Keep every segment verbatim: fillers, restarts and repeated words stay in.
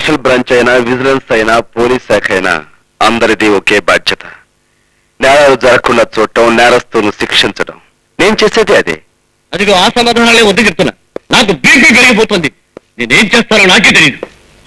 Special branch అయినా, vigilance అయినా, police శాఖ అయినా అందరిది ఒకే బాధ్యత. నేరాలు జరగకుండా చూడటం, నేరస్తులను శిక్షించడం. నేను చేసేది అదే. అదిగో ఆ సమాధానాలే వద్దు చెప్తున్నా. నాకు బీపీ పెరిగిపోతుంది. నేనేం చేస్తానో నాకే తెలియదు.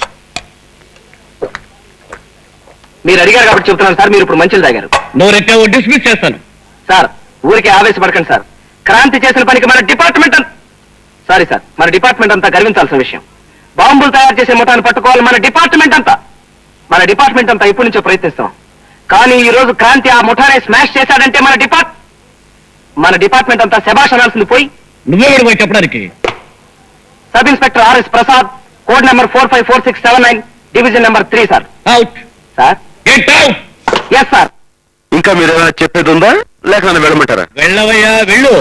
మీరు అడిగారు కాబట్టి చెప్తున్నాను సార్. మీరు ఇప్పుడు మంచిలు తాగారు. నువ్వు రెట్టావో డిస్మిస్ చేస్తాను. సార్ ఊరికే ఆవేశపడకండి సార్. క్రాంతి చేసిన పనికి మన డిపార్ట్మెంట్ సారీ సార్ మన డిపార్ట్మెంట్ అంతా గర్వించాల్సిన విషయం. బాంబులు తయారు చేసే ముఠాన్ని పట్టుకోవాలి మన డిపార్ట్మెంట్ అంతా. మన డిపార్ట్మెంట్ అంతా ఇప్పటి నుంచో ప్రయత్నిస్తాం. కానీ ఈ రోజు క్రాంతి ఆ ముఠానే స్మాష్ చేశాడంటే మన డిపార్ట్ మన డిపార్ట్మెంట్ అంతా శభాష్ అనాల్సింది పోయి నువ్వెవడు పోయి చెప్పడానికి? Sub inspector RS Prasad, code number four five four six seven nine, division number three sir. Out sir. Get out. Yes sir. ఇంకా మీరు ఏమైనా చెప్పేది ఉందా, లేక నన్ను వెళ్ళమంటారా? వెళ్ళవయ్యా వెళ్ళు.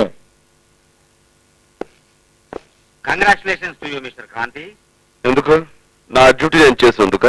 Congratulations to you mister Kranti. ఎందుకు? నా డ్యూటీ నేను చేసేందుక?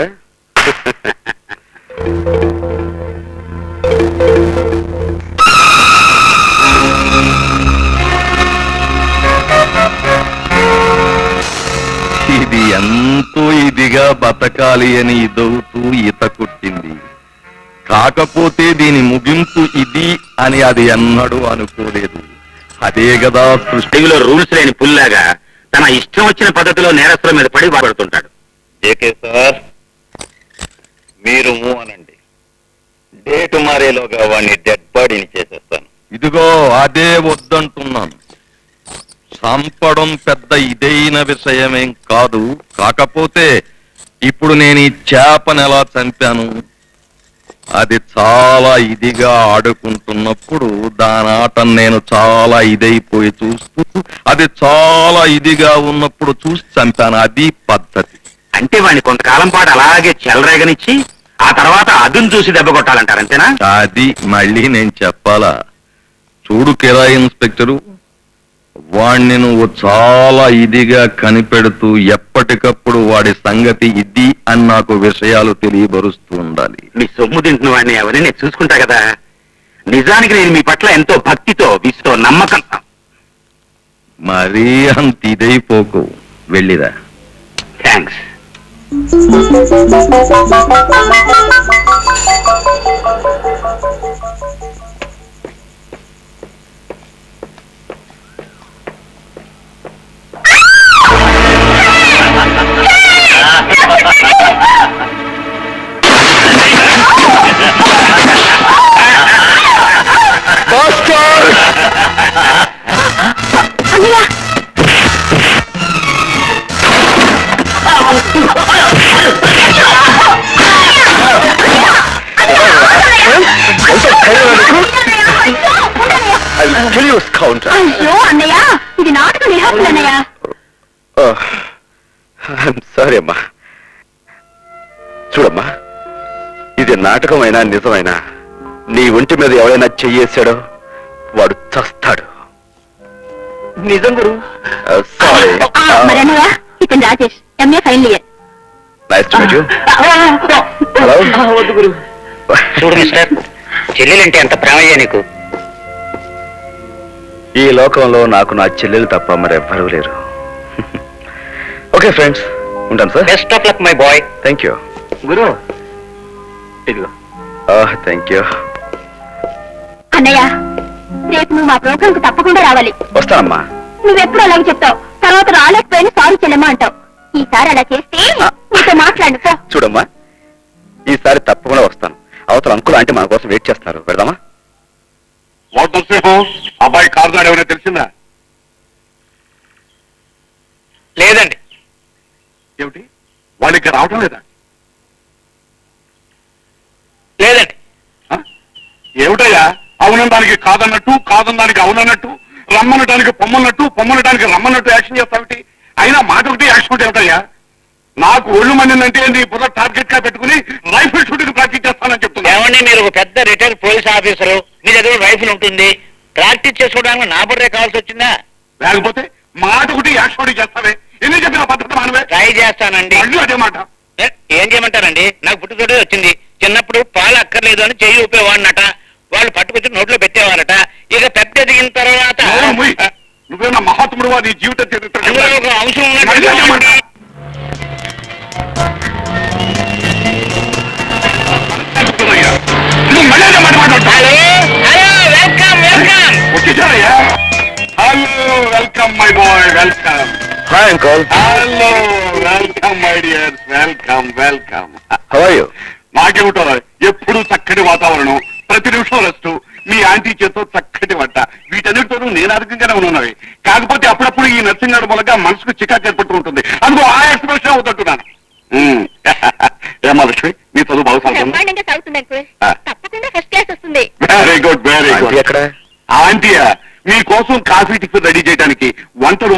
ఇది ఎంతో ఇదిగా బతకాలి అని ఇదవుతూ ఈత కొట్టింది. కాకపోతే దీని ముగింపు ఇది అని అది ఎన్నడూ అనుకోలేదు. అదే కదా సృష్టిలో రూల్స్ లేని పుల్లాగా తన ఇష్టం వచ్చిన పద్ధతిలో నేరస్తుల మీద పడి బాధపడుతుంటాడు. జేకే సార్, మీరు మూవ్ అనండి. డేట్ మారేలోగా వాడిని డెడ్ బాడీని చేసేస్తాను. ఇదిగో అదే వద్దంటున్నాను. చంపడం పెద్ద ఇదైన విషయమేం కాదు. కాకపోతే ఇప్పుడు నేను ఈ చేపను ఎలా చంపాను, అది చాలా ఇదిగా ఆడుకుంటున్నప్పుడు దాని ఆట నేను చాలా ఇదైపోయి చూస్తూ, అది చాలా ఇదిగా ఉన్నప్పుడు చూసి చంపాను. అది పద్ధతి. అంటే వాడిని కొంతకాలం పాటు అలాగే చెలరేగనిచ్చి ఆ తర్వాత అదును చూసి దెబ్బ కొట్టాలంటారు, అంతేనా? అది మళ్ళీ నేను చెప్పాలా? చూడు కిరా ఇన్స్పెక్టరు, వాణ్ణి నువ్వు చాలా ఇదిగా కనిపెడుతూ ఎప్పటికప్పుడు వాడి సంగతి ఇది అని నాకు విషయాలు తెలియబరుస్తూ ఉండాలి. మీ సొమ్ము తింటున్న వాడిని అవన్నీ నేను చూసుకుంటా కదా. నిజానికి నేను మీ పట్ల ఎంతో భక్తితో, విసుతో, నమ్మకం. మరీ అంత ఇదైపోకు. వెళ్ళిరా. థ్యాంక్స్. అయ్యో అన్నయ్య, ఇది నాటక రిహార్సల్ అన్నయ్య. సారీ అమ్మా. చూడమ్మా, ఇది నాటకమైనా నిజమైనా నీ ఒంటి మీద ఎవరైనా చెయ్యేశాడో వాడు చస్తాడు. నిజం గురు. సారీ. మరి అన్నయ్య, ఇతను Rajesh, MA final year. Nice to meet you. Hello. వద్దు గురు. చూడు మిస్టర్, చెల్లెలంటే ఎంత ప్రేమయ్యా నీకు. ఈ లోకంలో నాకు నా చెల్లెలు తప్ప మరెవ్వరూ లేరు. ఓకే ఫ్రెండ్స్, ఉంటాను sir. Best of luck my boy. Thank you గురు. ఇదిగో. Thank you. అన్నయ్య, రేపు నువ్వు మా ప్రోగ్రామ్ కు తప్పకుండా రావాలి. వస్తానమ్మా. నువ్వెప్పుడు అలాగే చెప్తావు, తర్వాత రాలేకపోయినా సారీ చెల్లెమ్మా అంటావు. ఈసారి అలా చేస్తే నీతో మాట్లాడు. చూడమ్మా, ఈసారి తప్పకుండా వస్తాను. అవతల అంకుల్ అంటే మన కోసం వెయిట్ చేస్తున్నారు. వెళ్దామా? అబ్బాయి కారు నాడు ఏమైనా తెలిసిందా? లేదండి. ఏమిటి, వాళ్ళకి రావటం లేదా? లేదండి. ఏమిటయ్యా, అవునడానికి కాదన్నట్టు, కాదనడానికి అవునన్నట్టు, రమ్మనడానికి పొమ్మన్నట్టు, పొమ్మనడానికి రమ్మన్నట్టు యాక్షన్ చేస్తావుటి. అయినా మాట ఒకటి యాక్షన్ ఒకటి ఏమిటయ్యా? నాకు ఒళ్ళు మండిందంటే నీ బుర్ర టార్గెట్ గా పెట్టుకుని రైఫిల్ షూటింగ్ ప్రాక్టీస్ చేస్తానని చెప్తున్నా. ఏమండి, మీరు ఒక పెద్ద రిటైర్డ్ పోలీస్ ఆఫీసరు, మీ దగ్గర రైఫిల్ ఉంటుంది, ప్రాక్టీస్ చేసుకోవడానికి నా బుర్రే కావాల్సి వచ్చిందా? లేకపోతే మాట ఒకటి యాక్షన్ ఒకటి చేస్తావే. ఎన్ని చెప్పిన పద్ధతి మానవే. ట్రై చేస్తానండి. మళ్ళీ అదే మాట. ఏం చేయమంటారండి, నాకు పుట్టుతోటే వచ్చింది. చిన్నప్పుడు పాలు అక్కర్లేదు అని చెయ్యి ఊపేవాడినట, వాళ్ళు పట్టుకొచ్చి నోట్లో పెట్టేవారట. ఇక పెద్ద ఎదిగిన తర్వాత నువ్వేనా మహాత్ముడు, నీ జీవిత చరిత్ర ఒక అంశం ఉన్నట్టు welcome my boy welcome. Hi uncle. Hello welcome my dear welcome welcome. How are you? నాకేమిటో ఎప్పుడు చక్కటి వాతావరణం, ప్రతి నిమిషం రెస్ట్, మీ ఆంటీ చేతో చక్కటి వంట, వీటన్నిటితోనూ నేను అధికంగానే ఉన్నవి. కాకపోతే అప్పుడప్పుడు ఈ నర్సింగ్ గారి మూలంగా మనసుకు చికాకు ఏర్పడుతూ ఉంటుంది. అందుకో ఆ ఎక్స్ప్రెషన్ అవుతుంటున్నాను. ఏమా లక్ష్మి, మీ చదువు బాగా సాగుతుంది? బ్రహ్మాండంగా సాగుతుంది అంకుల్. ఆ. తప్పకుండా ఫస్ట్ క్లాస్ వస్తుంది. Very good very aunty good. ఎక్కడ? ఆంటీయా మీకోసం కాఫీ టిఫిన్ రెడీ చేయడానికి వంట రూమ్